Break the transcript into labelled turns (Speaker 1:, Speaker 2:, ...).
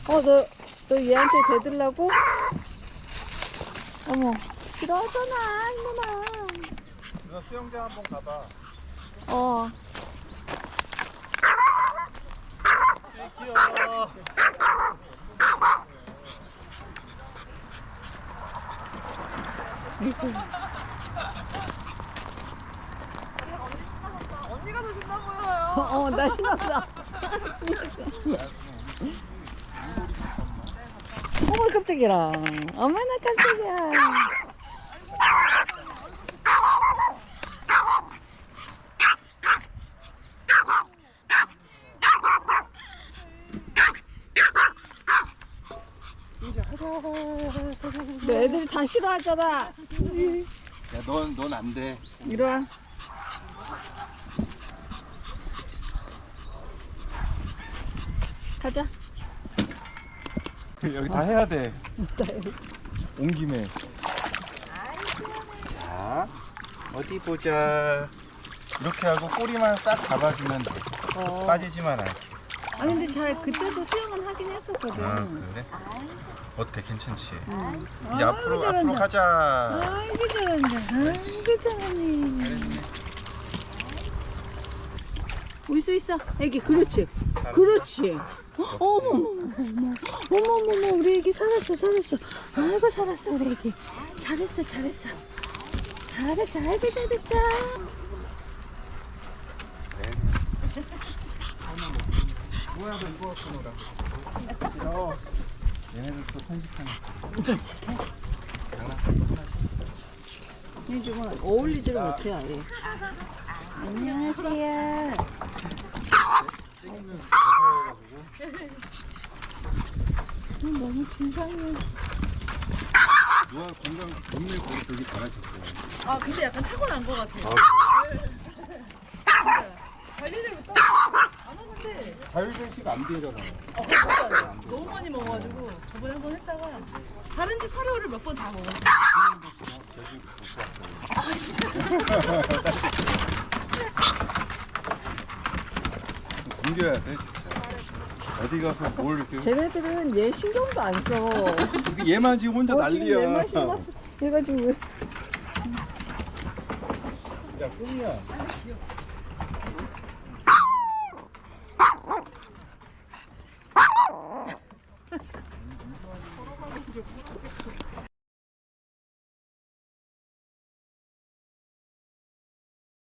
Speaker 1: 너 얘한테 대들라고? 어머, 싫어하잖아, 이놈아.
Speaker 2: 누나 수영장 한번 가봐.
Speaker 1: 어.
Speaker 2: 귀여워. 언니가 더 신나 보여요.
Speaker 1: 나 신났어. 신났어. 어머, 깜짝이야. 어머나, 깜짝이야. 너 애들이 다 싫어하잖아.
Speaker 2: 야, 넌 안 돼.
Speaker 1: 이리 와. 가자.
Speaker 2: 여기 다 해야 돼. 온 김에. 자, 어디 보자. 이렇게 하고 꼬리만 싹 잡아주면 돼. 빠지지만 않게.
Speaker 1: 아니 근데 그때도 수영은 하긴 했었거든.
Speaker 2: 아, 그래? 어때? 괜찮지? 이제
Speaker 1: 아이고,
Speaker 2: 앞으로
Speaker 1: 잘한다.
Speaker 2: 가자.
Speaker 1: 아이고 잘한다. 아이고 잘하네. 올 수 있어. 애기 그렇지. 그렇지. 어머머머 우리 애기 살았어. 아이고 살았어 우리 애기. 잘했어. 아이고 잘했다.
Speaker 2: 뭐야, 너 이거 갖고 놀아. 얘네들 또 편식하네.
Speaker 1: 이 정말 어울리지를 못해 아예. 안녕하세요. 너무 진상해.
Speaker 2: 누가 동물 거기 되게 잘하셨어.
Speaker 3: 아 근데 약간 타고난 것 같아요. 관리를 못 안 하는데
Speaker 2: 자율배식 안 되잖아.
Speaker 3: 너무 많이 먹어가지고 저번에 한번 했다가 다른 집 사료를 몇 번 다 먹었어요. 아 진짜?
Speaker 2: 옮겨야 돼 진짜. 어디 가서 뭘 이렇게.
Speaker 1: 쟤네들은 얘 신경도 안 써.
Speaker 2: 얘만 지금 혼자 난리야.
Speaker 1: 지금 얘만 신났어. 얘가 지금 왜.
Speaker 2: 야, 꿈이야.